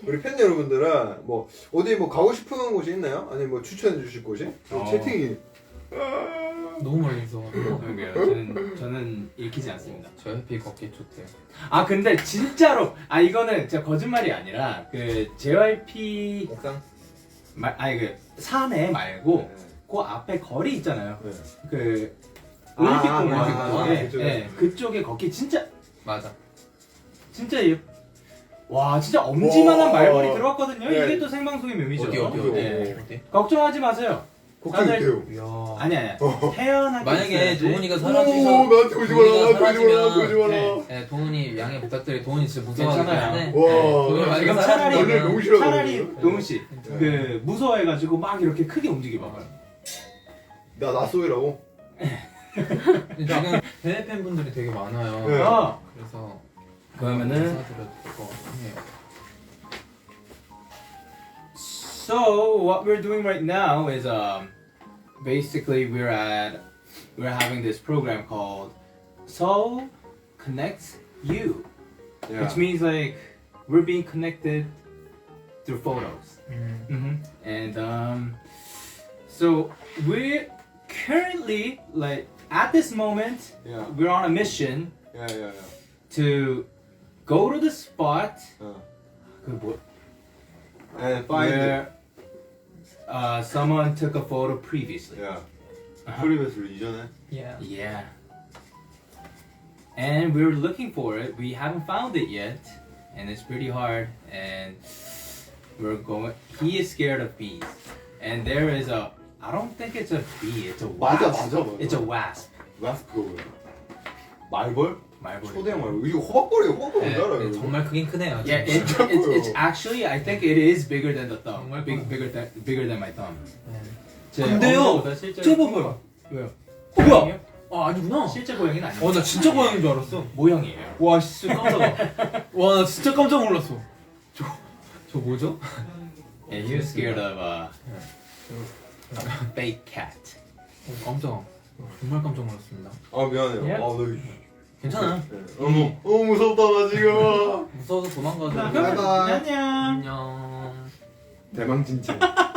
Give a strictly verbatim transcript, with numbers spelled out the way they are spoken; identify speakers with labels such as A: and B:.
A: 우리 팬 여러분들은 뭐 어디 뭐 가고 싶은 곳이 있나요? 아니 뭐 추천해 주실 곳이?
B: 어.
A: 채팅이
C: 너무 멀리 있어.
B: 그러게요. 저는 저는 읽히지 않습니다.
C: 저 해피 걷기 좋대요.
B: 아 근데 진짜로 아 이거는 진짜 거짓말이 아니라 그 제이와이피
A: 옥상?
B: 말 아니 그 사내 말고 그 앞에 거리 있잖아요.
A: 네.
B: 그
A: 아,
B: 올림픽
A: 아,
B: 공원
A: 아, 아,
B: 쪽에
A: 그쪽에.
B: 네, 그쪽에 걷기 진짜
C: 맞아.
B: 진짜 예. 와 진짜 엄지만한
A: 와.
B: 말벌이 들어왔거든요.
A: 네.
B: 이게 또 생방송의 묘미죠.
C: 어디 어디 어디?
B: 네.
C: 어디?
B: 걱정하지 마세요.
A: 걱정돼요.
C: 이야.
B: 아니 아니 태어나게
C: 만약에
B: 있어야지.
C: 도훈이가
A: 오
C: 사라지셔.
A: 나한테 오지 마라
C: 도훈이가
A: 나한테 오지 마라 나한테
C: 사라지면
A: 오지 마라.
B: 네.
C: 네, 도훈이 양해 부탁드려. 도훈이 진짜 무서워하기
B: 괜찮아요.
C: 때문에.
A: 와.
C: 도훈이 만약에
B: 지금 차라리
A: 너를 너무
C: 사라지면
A: 싫어하거든요.
B: 차라리 동훈 씨, 그 무서워해가지고 막 이렇게 크게 움직여봐봐요.
A: 나 나쏘이라고?
C: 지금 대회 팬분들이 되게 많아요.
A: 네.
B: 어.
C: 그래서
B: 그러면은
C: 인사드려도 될것 해요.
B: So what we're doing right now is um basically we're at we're having this program called Soul Connects You,
A: 야.
B: which means like we're being connected through photos.
C: 음.
B: Mm-hmm. And um, so we're currently like at this moment
A: 야.
B: we're on a mission
A: 야야야.
B: to go to the spot
A: 어.
B: 그 뭐,
A: And find it.
B: where uh, someone took a photo previously.
A: 야.
B: Uh-huh.
A: 프리베스를 이전에.
C: Yeah.
B: Yeah. And we're looking for it. We haven't found it yet, and it's pretty hard. And we're going. He is scared of bees, and there is a. I don't think it's a bee. It's a wasp.
A: 맞아 맞아 맞아.
B: It's a wasp.
A: 라스크가 뭐야? 말벌?
B: 말벌.
A: 초대형 말벌. 이거 호박벌이에요. 호박벌
C: 네,
A: 뭔지 알아요?
C: 네,
A: 이거?
C: 정말 크긴 크네요.
B: Yeah, it,
C: 진짜.
B: it's, it's actually. I think it is bigger than the thumb.
C: 정말
B: Big,
C: 커요.
B: bigger than bigger than my thumb.
C: 네.
B: 제
C: 근데요,
B: 엄지보다 실제로
C: 저
B: 큰
C: 봐봐요.
B: 거. 왜요?
C: 어, 뭐야? 아 아니구나.
B: 실제 고양이는 아니에요.
C: 어 나 진짜 고양인 줄 알았어.
B: 모형이에요.
C: 와 진짜 깜짝아. 와 나 진짜 깜짝 놀랐어. 저, 저 뭐죠?
B: And he was scared of uh,
C: 네.
B: a fake cat.
C: 어, 깜짝. 정말 깜짝 놀랐습니다.
A: 아 미안해요.
B: 예?
A: 아 나.
C: 괜찮아.
A: 네. 어머 너무 무섭다 나 지금.
C: 무서워서 도망가자.
A: 바이바이.
B: 안녕.
C: 안녕.
A: 대망 진짜.